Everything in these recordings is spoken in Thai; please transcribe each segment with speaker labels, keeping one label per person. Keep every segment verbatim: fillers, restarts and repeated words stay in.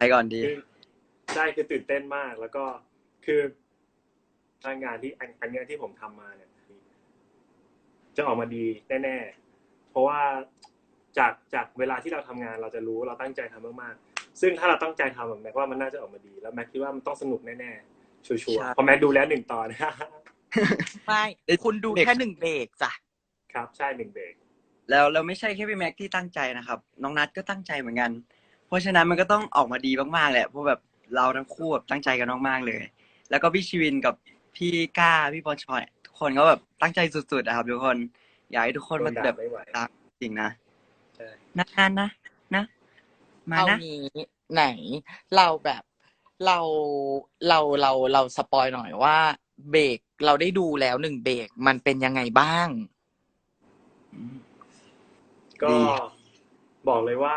Speaker 1: ก่อนดี
Speaker 2: คือใช่คือตื่นเต้นมากแล้วก็คืองานที่อันอันเนี้ยที่ผมทำมาเนี่ยจะออกมาดีแน่ๆเพราะว่าจากจากเวลาที่เราทำงานเราจะรู้เราตั้งใจทำมากๆซึ่งถ้าเราตั้งใจทำแม็กว่ามันน่าจะออกมาดีแล้วแม็กคิดว่ามันต้องสนุกแน่ๆชัวร์ๆเพราะ
Speaker 1: ใช่
Speaker 2: แม็กดูแล้วหนึ่งตอน
Speaker 3: ไม่คุณดูแค่หนึ่งเบรกจ้ะ
Speaker 2: ครับใช่หนึ่งเบรก
Speaker 1: แล้วเราไม่ใช่แค่พี่แม็กที่ตั้งใจนะครับน้องนัทก็ตั้งใจเหมือนกันเพราะฉะนั้นมันก็ต้องออกมาดีมากๆแหละเพราะแบบเราทั้งคู่แบบตั้งใจกันมากๆเลยแล้วก็พี่ชีวินกับพี่ก้าพี่บอลชอยทุกคนก็แบบตั้งใจสุดๆนะครับทุกคนอยากให้ทุกคนมาแบบตามจริงนะนะนะนะนะมา
Speaker 3: เอา
Speaker 1: นะ
Speaker 3: งี้ไหนเราแบบเราเราเราเราสปอยหน่อยว่าเบรกเราได้ดูแล้วหนึ่งเบรกมันเป็นยังไงบ้าง
Speaker 2: ก็บอกเลยว่า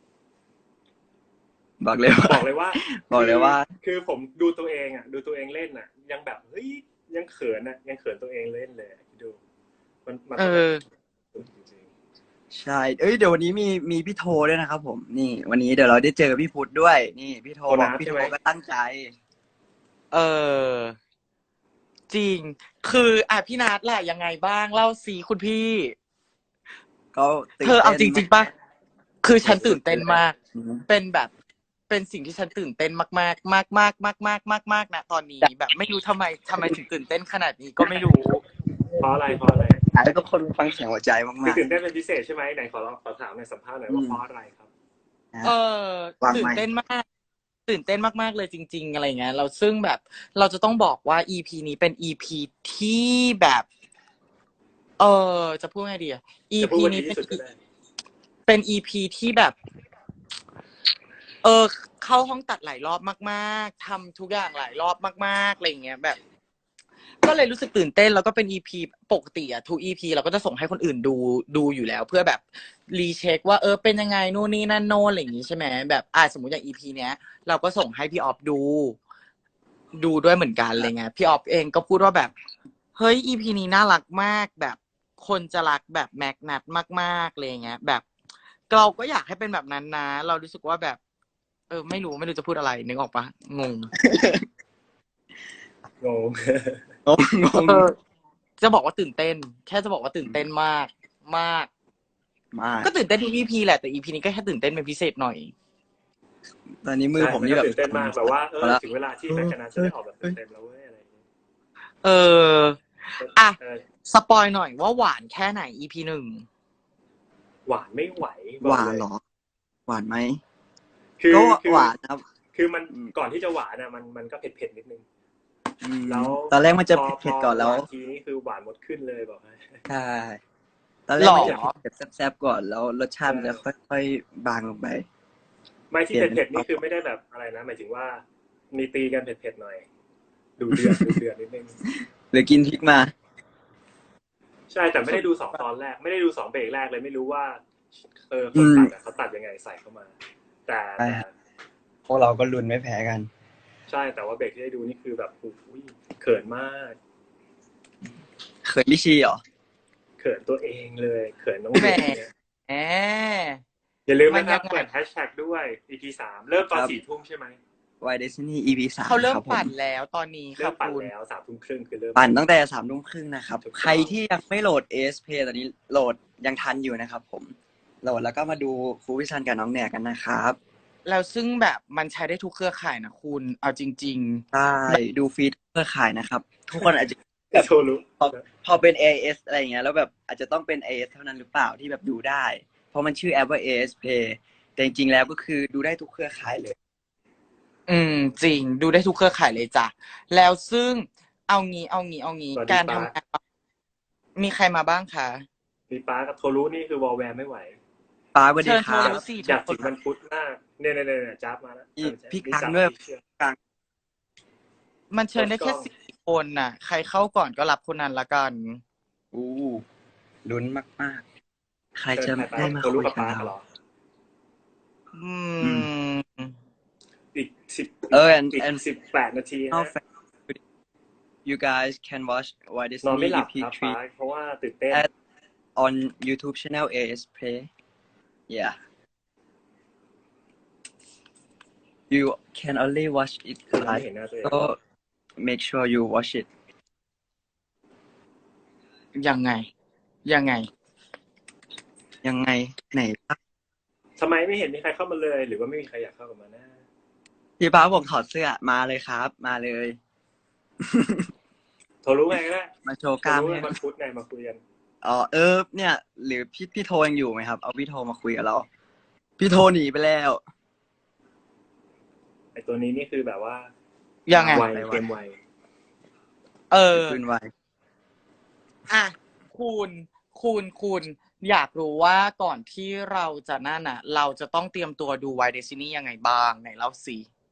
Speaker 1: บอกเลยว่า
Speaker 2: บอกเลยว่า
Speaker 1: บอกเลยว่า
Speaker 2: คือผมดูตัวเองอ่ะดูตัวเองเล่นอ่ะยังแบบเฮ้ยยังเขินอ่ะยังเขินตัวเองเล่นเลยดูมันมันเออ
Speaker 1: ใช่เอ้ยเดี๋ยววันนี้มีมีพี่โทด้วยนะครับผมนี่วันนี้เดี๋ยวเราได้เจอพี่พุทธด้วยนี่พี่โทบอกพี่โทก็ตั้งใจ
Speaker 3: เออจริงคืออ่ะพี่นัทล่ะยังไงบ้างเล่าสิคุณพี่
Speaker 1: ก็
Speaker 3: เธอเอาจริงๆป่ะคือฉันตื่นเต้นมากเป็นแบบเป็นสิ่งที่ฉันตื่นเต้นมากๆมากมากมากมากมากมากนะตอนนี้แบบไม่รู้ทำไมทำไมถึงตื่นเต้นขนาดนี้ก็ไม่รู้
Speaker 2: เพราะอะไรเพราะอะไร
Speaker 1: แล้วก็คนฟังเสียงหัวใจมาก
Speaker 2: ๆตื่นเต้นเป็นพิเศษใช่ไหมไหนขอลองขอถามในสัมภาษณ์หน่อยว่าเพราะอะไรครับ
Speaker 3: เออตื่นเต้นมากตื่นเต้นมากๆเลยจริงๆอะไรเงี้ยเราซึ่งแบบเราจะต้องบอกว่า อี พี นี้เป็น อี พี ที่แบบเออจะพูดไงดีอ่ะ อี พี นี้เป็นเป็น อี พี ที่แบบเออเข้าห้องตัดหลายรอบมากๆทำทุกอย่างหลายรอบมากๆอะไรเงี้ยแบบก็เลยรู้สึกตื่นเต้นแล้วก็เป็น อี พี ปกติอะทุก อี พี เราก็จะส่งให้คนอื่นดูดูอยู่แล้วเพื่อแบบรีเช็คว่าเออเป็นยังไงนู่นนี่นั่นโน่นอะไรอย่างงี้ใช่ไหมแบบอ่าสมมติอย่าง อี พี เนี้ยเราก็ส่งให้พี่ออฟดูดูด้วยเหมือนกันอะไรเงี้ยพี่ออฟเองก็พูดว่าแบบเฮ้ย อี พี นี้น่ารักมากแบบคนจะรักแบบแม็กนัทมากๆอะไรเงี้ยแบบเราก็อยากให้เป็นแบบนั้นนะเรารู้สึกว่าแบบเออไม่รู้ไม่รู้จะพูดอะไรนึกออกปะงง
Speaker 2: งง
Speaker 1: งง
Speaker 3: จะบอกว่าตื่นเต้นแค่จะบอกว่าตื่นเต้นมากมาก
Speaker 1: มาก
Speaker 3: ก็ตื่นเต้นทุก อี พี แหละแต่ อี พี นี้ก็แค่ตื่นเต้นเป็นพิเศษหน่อย
Speaker 1: ตอนนี้มือผมนี่แบบ
Speaker 2: ตื่นเต้นมากแบบว่าเออถึงเวลาที่แม็กกานาจะได้ออกแบบเต็มๆแล้วเว้ยอะไร
Speaker 3: เอออ่ะสปอยหน่อยว่าหวานแค่ไหน อี พี หนึ่ง
Speaker 2: หวานไม่ไหว
Speaker 1: หวานหรอหวานไหม
Speaker 2: คือ
Speaker 1: หวานครับ
Speaker 2: คือมันก่อนที่จะหวานอ่ะมันมันก็เผ็ดเผ็ดนิดนึง
Speaker 1: แล้วตอนแรกมันจะเผ็ดก่อนแล้ว
Speaker 2: ทีนี้คือหวานหมดขึ้นเลยบอกให้
Speaker 1: ใช่ตอนแรกมันจะเผ็ดแซ่บๆก่อนแล้วรสชาติมันจะค่อยๆบางลงไป
Speaker 2: ไม่ที่เผ็ดๆนี่คือไม่ได้แบบอะไรนะหมายถึงว่ามีตีกันเผ็ดๆหน่อยดูเดือดดูเดือดนิดนึง
Speaker 1: หรือกินพริกมา
Speaker 2: ใช่แต่ไม่ได้ดูสองตอนแรกไม่ได้ดูสองเบรกแรกเลยไม่รู้ว่าเออคนตัดเขาตัดยังไงใส่เข้ามาแต่
Speaker 1: พวกเราก็ลุ้นไม่แพ้กัน
Speaker 2: ใช่แต่ว่าเบรกที่ได้ดูนี่คือแบบอุ้ยเขินมาก
Speaker 1: เขินพี่ชีเหรอ
Speaker 2: เขินตัวเองเลยเขินน้อง
Speaker 3: แหมแหม
Speaker 2: อย่าลืมนะครับเปิดแฮชแท็กด้วย อี พี สามเริ่มตอนสี่ทุ่มใช่ไหม
Speaker 1: Why Destiny อี พี สาม
Speaker 3: เขาเริ่มปั่นแล้วตอนนี้
Speaker 2: เริ่มปั่นแล้วสามทุ่มครึ่งคือเริ่ม
Speaker 1: ปั่นตั้งแต่สามทุ่มครึ่งนะครับใครที่ยังไม่โหลด เอ เอส Play ตอนนี้โหลดยังทันอยู่นะครับผมโหลดแล้วก็มาดูครูวิชันกับน้องแหนกันนะครับ
Speaker 3: แล้วซึ่งแบบมันใช้ได้ทุกเครือข่ายนะคุณเอาจริง
Speaker 1: ๆใช่ดูฟรีทุกเครือข่ายนะครับทุกคนอาจจะแบบพอเป็น เอ เอส อะไรอย่างเงี้ยแล้วแบบอาจจะต้องเป็น เอ เอส เท่านั้นหรือเปล่าที่แบบดูได้เพราะมันชื่อแอปว่า เอ เอส Play แต่จริงๆแล้วก็คือดูได้ทุกเครือข่ายเลย
Speaker 3: อืมจริงดูได้ทุกเครือข่ายเลยจ้ะแล้วซึ่งเอางี้เอางี้เอางี้การทำงานมีใครมาบ้างคะ
Speaker 2: มีป้ากับโทรุนี่คือวอลแวร์ไม่ไหว
Speaker 1: ป้าสวัสดีครับ
Speaker 2: อยากจิกมันพุทธมากเนี่ยเนี่ยเนี่ยจับมาแล้ว
Speaker 1: พี่กังด้วยกัง
Speaker 3: มันเชิญได้แค่สี่คนน่ะใครเข้าก่อนก็รับคนนั้นละกัน
Speaker 1: อู้ลุ้นมากๆใครจะได้มาคุยกับเรา
Speaker 3: อืม
Speaker 2: อีกสิบ
Speaker 1: เออ and
Speaker 2: อีกสิบแปดนาทีนะ
Speaker 1: you guys can watch Why Destiny
Speaker 2: นอนไม่หลับครับป้าเพราะว่าตื่นเต้น
Speaker 1: on YouTube channel เอ เอส Play yeah you can only watch it
Speaker 2: ไม่
Speaker 1: live
Speaker 2: เห็นหน้าตัวเอง
Speaker 1: so make sure you watch it
Speaker 3: ยังไง ยังไง
Speaker 1: ยังไงไหน
Speaker 2: ทำไมไม่เห็นมีใครเข้ามาเลย หรือว่าไม่มีใครอยากเข้ามานะ
Speaker 1: พี่ป้าบอกถอดเสื้อมาเลยครับ มาเลย
Speaker 2: โทรรู้ไงก็ได้
Speaker 1: มาโชว์ก
Speaker 2: โทร
Speaker 1: ล้าม
Speaker 2: รู้
Speaker 1: ให้
Speaker 2: มันพุธไงมาคุยกัน
Speaker 1: อ๋อเออเนี่ย หรือพี่พี่โทยังอยู่ไหมครับ เอาพี่โทมาคุยกับเรา พี่โทหนีไปแล้ว
Speaker 2: ไอตัวนี้นี่คือแบบว่า
Speaker 3: ยังไง
Speaker 2: ไวเกมไว
Speaker 3: เออ
Speaker 1: ขึ้นไว
Speaker 3: อ่ะคุณคุณคุณอยากรู้ว่าก่อนที่เราจะนั่นอ่ะ เราจะต้องเตรียมตัวดู Why Destiny ยังไงบ้างไหนเล่าสิ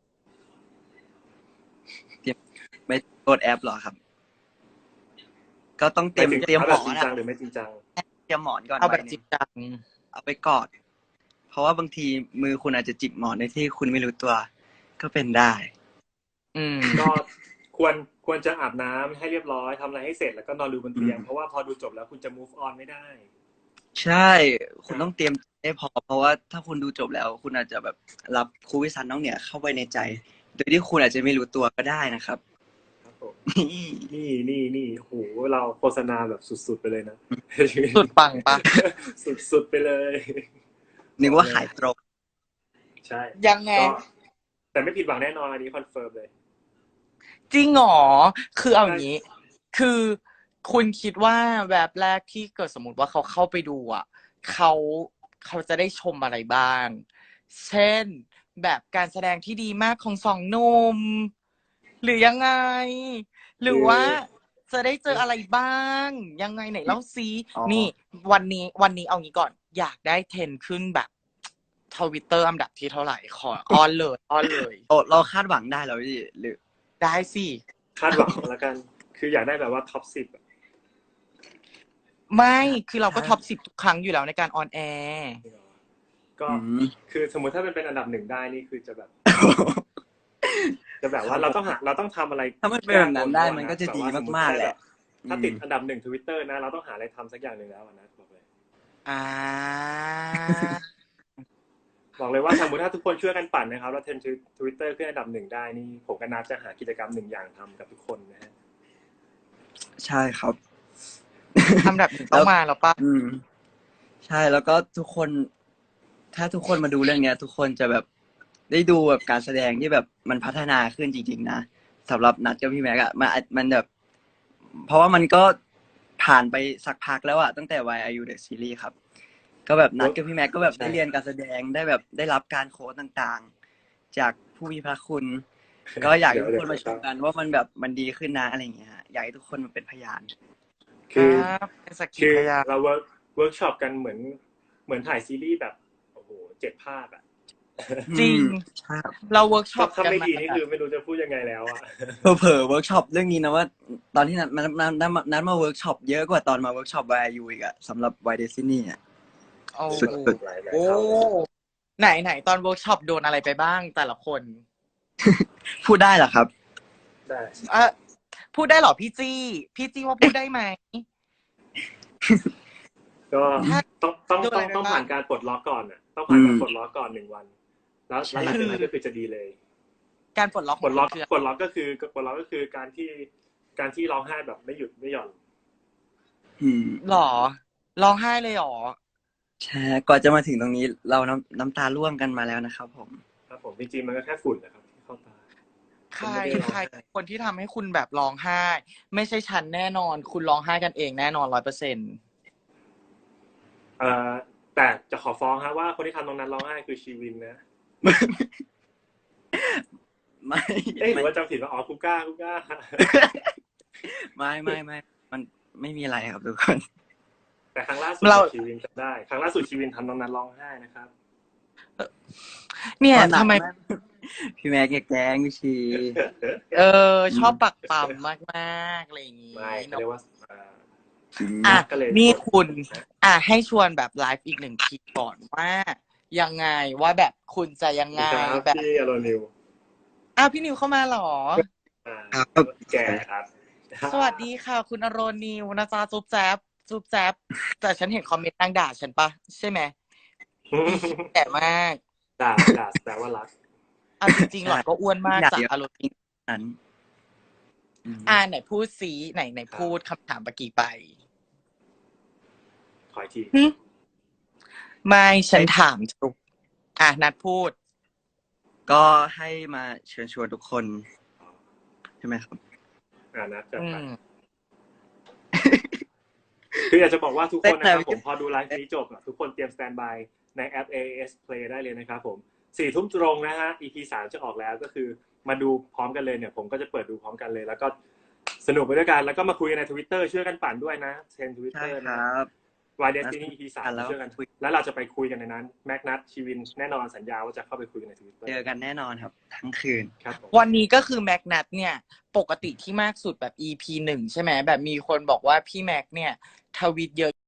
Speaker 1: ไม่โหลดแอปเหรอครับ ก็ต้องเตรียม
Speaker 2: ไปถึง
Speaker 1: เตรียมหมอน
Speaker 2: จริง
Speaker 1: อะ
Speaker 2: จังหรือไม่จริงจัง
Speaker 1: เตรียมหมอนก่อน
Speaker 3: เอาแบบ
Speaker 1: ไว้
Speaker 3: จริ
Speaker 1: นี่
Speaker 3: งจัง
Speaker 1: เอาไปกอด เพราะว่าบางทีมือคุณอาจจะจิกหมอนในที่คุณไม่รู้ตัว ก็เป็นได้
Speaker 3: อืม
Speaker 2: ก็ควรควรจะอาบน้ำให้เรียบร้อยทำอะไรให้เสร็จแล้วก็นอนดูบนเตียง
Speaker 1: อืม
Speaker 2: เพราะว่าพอดูจบแล้วคุณจะ move on ไม่ได้
Speaker 1: ใช่ คุณต้องเตรียมให้พอ เพราะว่าถ้าคุณดูจบแล้ว คุณอาจจะแบบรับครูวิสันน้องเนี่ยเข้าไปในใจ โดยที่คุณอาจจะไม่รู้ตัวก็ได้นะครับ
Speaker 2: ครับผมนี่นี่นี่โหเราโฆษณาแบบสุดๆไปเลยนะ
Speaker 3: สุดปังปะ
Speaker 2: สุดๆไปเลย
Speaker 1: นึกว่าขายตรง
Speaker 2: ใช่
Speaker 3: ยังไง
Speaker 2: ก็แต่ไม่ผิดหวังแน่นอนอันนี้คอนเฟิร์มเลย
Speaker 3: จริงเหรอ คือเอาอย่างนี้ คือคุณคิดว่าแบบแรกที่เกิดสมมติว่าเขาเข้าไปดูอ่ะ เขาเขาจะได้ชมอะไรบ้าง เช่น แบบการแสดงที่ดีมากของสองหนุ่ม หรือยังไง หรือว่าจะได้เจออะไรบ้าง ยังไงไหนเล่าซิ
Speaker 1: อ๋อ
Speaker 3: นี่ วันนี้วันนี้เอางี้ก่อน อยากได้เทรนด์ขึ้นแบบทวิตเตอร์อันดับที่เท่าไหร่ ขออ้อนเลยอ้อนเลย
Speaker 1: โอ้เราคาดหวังได้แล้วพี่หรือ
Speaker 3: ได้สิ
Speaker 2: คาดหวังแล้วกัน คืออยากได้แบบว่าท็อปสิบ
Speaker 3: ไม่ คือเราก็ท็อปสิบทุกครั้งอยู่แล้วในการออนแอร์
Speaker 2: ก็
Speaker 1: อืม
Speaker 2: คือสมมุติถ้าเป็นเป็นอันดับหนึ่งได้นี่คือจะแบบ จะแบบว่าเราต้องหาเราต้องทำอะไร
Speaker 1: ถ้ามันเป็นแบบนั้นได้มันก็จะดีมากๆแหละ
Speaker 2: ถ้าติดอันดับหนึ่งทวิตเตอร์นะ เราต้องหาอะไรทำสักอย่างหนึ่งแล้วนะบอกเลย
Speaker 3: อ่า
Speaker 2: บอกเลยว่าสมมติถ้าทุกคนช่วยกันปั่นนะครับแล้วเทรนด์ทวิตเตอร์ขึ้นอันดับหนึ่งได้นี่ผมกับนัทจะหากิจกรรมหนึ่งอย่างทำกับทุกคนนะฮะ
Speaker 1: ใช่ครับ
Speaker 3: ทำแบบนี้ต้องมาแล้วป่ะ
Speaker 1: อืม ใช่แล้วก็ทุกคน ถ้าทุกคนมาดูเรื่องเนี้ย ทุกคนจะแบบได้ดูแบบการแสดงที่แบบมันพัฒนาขึ้นจริงๆนะสำหรับนัดกับพี่แม็กอะมันมันแบบ เพราะว่ามันก็ผ่านไปสักพักแล้วอะตั้งแต่ Why Are You The Series ครับ ก็แบบนัดกับพี่แม็กก็แบบได้เรียนการแสดงได้แบบได้รับการโค้ชต่างๆ จากผู้มีพระคุณ ก็อยากให้ทุกคนมาชมกันว่ามันแบบมันดีขึ้นนะอะไรอย่างเงี้ยฮะอยากให้ทุกคนมาเป็นพยาน
Speaker 2: คือ
Speaker 3: ครับเป็นสักขี
Speaker 2: คือ
Speaker 3: พยาน
Speaker 2: เราเวิร์กเวิร์กช็อปกันเหมือนเหมือนถ่ายซีรีส์แบบโอ้โหเจ็ดภาคอะ
Speaker 3: จริง
Speaker 1: อืมใช่
Speaker 3: เราเวิร์กช็อป
Speaker 2: ถ้า
Speaker 3: กัน
Speaker 2: ไม่
Speaker 3: มา
Speaker 2: ดีนี่คือไม่รู้จะพูดยังไงแล้วอะ
Speaker 1: เผลอๆเวิร์กช็อปเรื่องนี้นะว่า ตอนที่นัดนัดนัดนัดมานัดมาเวิร์กช็อปเยอะกว่าตอนมาเวิร์กช็อป Why Are You อีกอะสำหรับ Why Destiny อะ
Speaker 3: โอ้
Speaker 1: สุด
Speaker 2: หลายๆ
Speaker 3: โอ้
Speaker 2: เท่าเลย
Speaker 3: ไหนไหนตอนเวิร์กช็อปโดนอะไรไปบ้างแต่ละคน
Speaker 1: พูดได้เหรอครับ
Speaker 2: ได้
Speaker 3: เออพูดได้เหรอพี่จี้ พี่จี้ว่าพูดได้ไหม
Speaker 2: ก็
Speaker 3: ถ้า
Speaker 2: ต้องต้อง
Speaker 3: ดู
Speaker 2: ต้
Speaker 3: อะ
Speaker 2: อง
Speaker 3: ไร
Speaker 2: ต้อง
Speaker 3: บ้าง
Speaker 2: ผ่านการปลดล็อกก่อนอ่ะต้องผ่านการ
Speaker 1: อืม
Speaker 2: ปลดล็อกก่อนหนึ่งวัน แล้วแล้วหลังจากนั้นก็คือจะดีเลย
Speaker 3: การปลดล็อก
Speaker 2: ปลดล็อก
Speaker 3: คือ
Speaker 2: ปลดล็อกก็คือปลดล็อกก็คือการที่การที่ร้องไห้แบบไม่หยุดไม่หย่อน
Speaker 1: อืม
Speaker 3: หรอร้องไห้เลยหรอ
Speaker 1: ใช่ก่อนจะมาถึงตรงนี้ เราน้ำน้ำตาร่วงกันมาแล้วนะครับผม
Speaker 2: ครับผมจริงๆมันก็แค่ฝุ่นนะครับที่เข้าตา
Speaker 3: ใคร
Speaker 2: ไม่ได้ร้อง
Speaker 3: ใคร
Speaker 2: ไห้
Speaker 3: คนที่ทำให้คุณแบบร้องไห้ ไม่ใช่ฉันแน่นอน คุณร้องไห้กันเองแน่นอนร้อยเปอร์เซ็นต์
Speaker 2: เอ่อแต่จะขอฟ้องครับว่าคนที่ทำตรงนั้นร้องไห้คือชีวินนะ
Speaker 1: ไม่
Speaker 2: เอ๊ะหรื
Speaker 1: ไม่
Speaker 2: อว่าจำผิดว่าอ๋อกูก้ากูก้า
Speaker 1: ไม่ไม่ไม่มันไม่มีอะไรครับทุกคน
Speaker 2: แต่ครั้งล่าสุด
Speaker 3: เรา
Speaker 2: ชีวินจำได้ครั้งล่าสุดชีวินทำตรงนั้นร้องไห้นะครับ
Speaker 3: เนี่ย
Speaker 1: ตอนหนัก
Speaker 3: ทำไม
Speaker 1: ากพี่แม็กแกล้งพี่ชี
Speaker 3: เออ ชอบปักปั๊มมากๆอะไรอย่างงี้
Speaker 2: ไม่เขา
Speaker 3: เนาะ
Speaker 2: เรียกว่าเอ่อ
Speaker 3: อ่ะ
Speaker 2: ก็เลย
Speaker 3: นี่คุณ อ่ะให้ชวนแบบไลฟ์อีกหนึ่งทีก่อนว่ายังไงว่าแบบคุณจะยังไง
Speaker 2: ครับ
Speaker 3: แบบ
Speaker 2: พี่อโรนิว
Speaker 3: อ้าวพี่นิวเข้ามาเหรอ
Speaker 2: อ่า
Speaker 1: ครับ
Speaker 2: แก่ครับ
Speaker 3: สวัสดีค่ะ คุณอโรนิวนะจ๊ะจุ๊บแจ๊บจุ๊บแจ๊บแต่ฉันเห็นคอมเมนต์นางด่าฉันปะใช่ไหมแก่มาก
Speaker 2: ด่าด่าแปลว่ารัก
Speaker 3: เอาจริงๆหล่อนก็อ้วนมากจากอารมณ์
Speaker 1: นั้น
Speaker 3: อ่าไหนพูดสีไหนไหนพูดคำถามเมื่อกี้ไป
Speaker 2: ขออีกที
Speaker 3: ไม่ฉันถามจุกอ่ะนัดพูด
Speaker 1: ก็ให้มาเชิญชวนทุกคนใช่ไหมครับ
Speaker 2: อ่านะจัด
Speaker 3: อื
Speaker 2: ไป
Speaker 3: ม
Speaker 2: คืออยากจะบอกว่าทุกคนนะครับ
Speaker 1: แต่
Speaker 2: ผมพอดูไลฟ์นี้จบอะทุกคนเตรียมสแตนบายในแอป เอ เอ เอส Play ได้เลยนะครับผมสี่ทุ่มตรงนะฮะ อี พี สามจะออกแล้วก็คือมาดูพร้อมกันเลยเนี่ยผมก็จะเปิดดูพร้อมกันเลย แล้วก็สนุกไปด้วยกันแล้วก็มาคุยกันใน Twitter ช่วยกันปั่นด้วยนะเทรน
Speaker 1: ใช่
Speaker 2: Twitter
Speaker 1: ค
Speaker 2: นะ
Speaker 1: รับ
Speaker 2: Why Destiny อี พี สาม
Speaker 1: แล้ว
Speaker 2: ช่วยกัน
Speaker 1: คุย
Speaker 2: แล้วเราจะไปคุยกันในนั้นแม็กนัทชีวินแน่นอนสัญญาว่าจะเข้าไปคุยกันใน Twitter
Speaker 1: เจอกันแน่นอนครับ ทั้งคืน
Speaker 2: ครับผม
Speaker 3: วันนี้ก็คือแม็กนัทเนี่ย ปกติที่มากสุดแบบ อี พี หนึ่งใช่ไหมแบบมีคนบอกว่าพี่แม็กเนี่ยทวิตเยอะ